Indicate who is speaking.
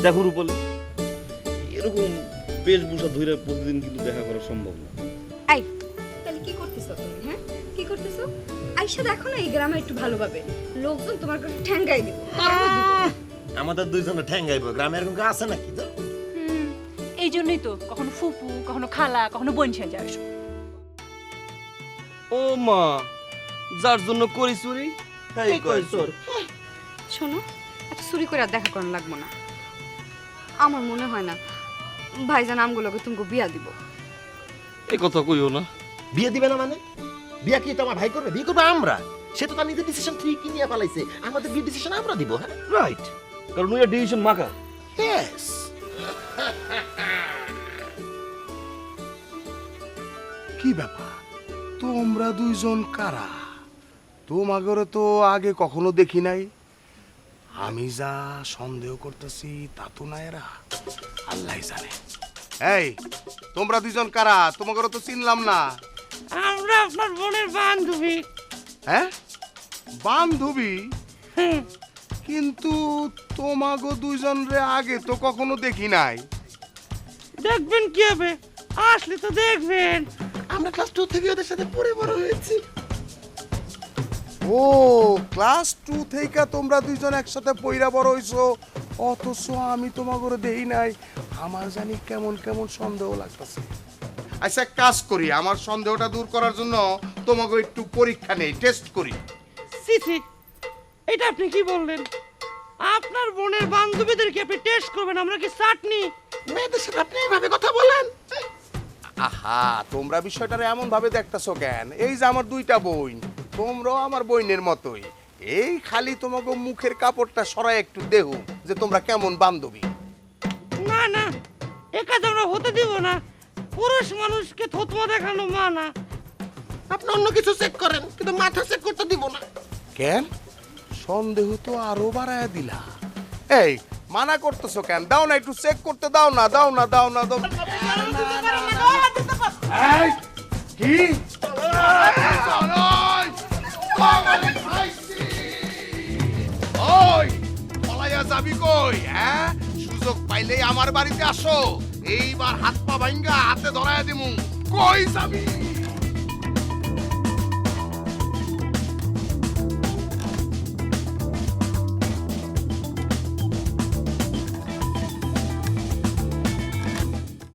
Speaker 1: দেখো রূপালী, এরকম বেশভূষা ধরে প্রতিদিন কিন্তু দেখা করা সম্ভব না।
Speaker 2: এই তাহলে কি করতেছো তুমি? হ্যাঁ কি করতেছো? আইসা দেখো না এই গ্রামে একটু ভালোভাবে লোকজন তোমার কাছে ঠ্যাঙ্গাই দিব।
Speaker 3: আমাদের দুইজনে ঠ্যাঙ্গাইব, গ্রামে এরকম কেউ আছে নাকি? তো
Speaker 4: এই জন্যই তো কখনো ফুপু, কখনো খালা, কখনো বোন সেজে আসো।
Speaker 1: ও মা, যার জন্য করি চুরি তাই কয় চোর।
Speaker 2: শোনো, এত চুরি করে আর দেখা করানো লাগবো না। আমার মনে হয় না ভাইজান আমগুলোকে তুমি বিয়া দিব।
Speaker 1: এই কথা কইও না।
Speaker 3: বিয়ে দিবে না মানে? বিয়ে কি তোমার ভাই করবে? বিয়ে করবে আমরা। সে তো তার নিজের ডিসিশন ঠিকই নিয়ে পালাইছে, আমাদের বিয়ে ডিসিশন আমরা দিব। হ্যাঁ
Speaker 1: রাইট, কারণ ওই ডিসিশন মাকা।
Speaker 3: ইয়েস।
Speaker 5: কি ব্যাপার, তোমরা দুইজন কারা? তোমাগরে তো আগে কখনো দেখি নাই। আমি যা সন্দেহ করতেছি তা তো না, এরা আল্লাহ জানে। এই তোমরা দুইজন কারা? তোমাগরে তো চিনলাম না।
Speaker 6: আমরা আপনার বোনের বান্ধবী।
Speaker 5: হ্যাঁ বান্ধবী? কিন্তু তোমাগো দুইজন রে আগে তো কখনো দেখি নাই।
Speaker 6: দেখবেন কি হবে, আসলে তো দেখবেন।
Speaker 3: আমরা ক্লাস 2 থেকে ওদের সাথে পড়ে বড় হয়েছি।
Speaker 5: ও ক্লাস 2 থেকে তোমরা দুইজন একসাথে পইরা বড় হইছো, অথচ আমি তোমাগরে দেই নাই। আমার জানি কেমন কেমন সন্দেহ লাগতেছে। আচ্ছা এক কাজ করি, আমার সন্দেহটা দূর করার জন্য তোমাকে একটু পরীক্ষা নেই, টেস্ট করি।
Speaker 6: সিসি, এটা আপনি কি বললেন? আপনার বোনের বান্ধবীদেরকে আপনি টেস্ট করবেন? আমরা কি চাটনি?
Speaker 3: মেয়েদের সাথে আপনি এইভাবে কথা বলেন?
Speaker 5: আহা, তোমরা বিষয়টারে এমন ভাবে দেখতেছো কেন? এই যে আমার দুইটা বোন, তোমরাও আমার বোনের মতোই। এই খালি তোমাকে মুখের কাপড়টা সরাই একটু দেহু যে তোমরা কেমন বান্ধবী।
Speaker 6: না না, এ কাজ আমরা হতে দিব না। পুরুষ মানুষকে থতমা দেখানো মানা।
Speaker 3: আপনি অন্য কিছু চেক করেন, কিন্তু মাথা চেক করতে দিব না।
Speaker 5: কেন? সন্দেহ তো আরো বাড়ায় দিলা। এই মানা করতেছো কেন? দাও না একটু চেক করতে, দাও না দাও না দাও না দাও। এই, কি? ওই পলাইয়া যাবি কই? হ্যাঁ সুযোগ পাইলেই আমার বাড়িতে আসো, এইবার হাত পা ভাঙ্গা হাতে ধরায় দিমু। কই যাবি?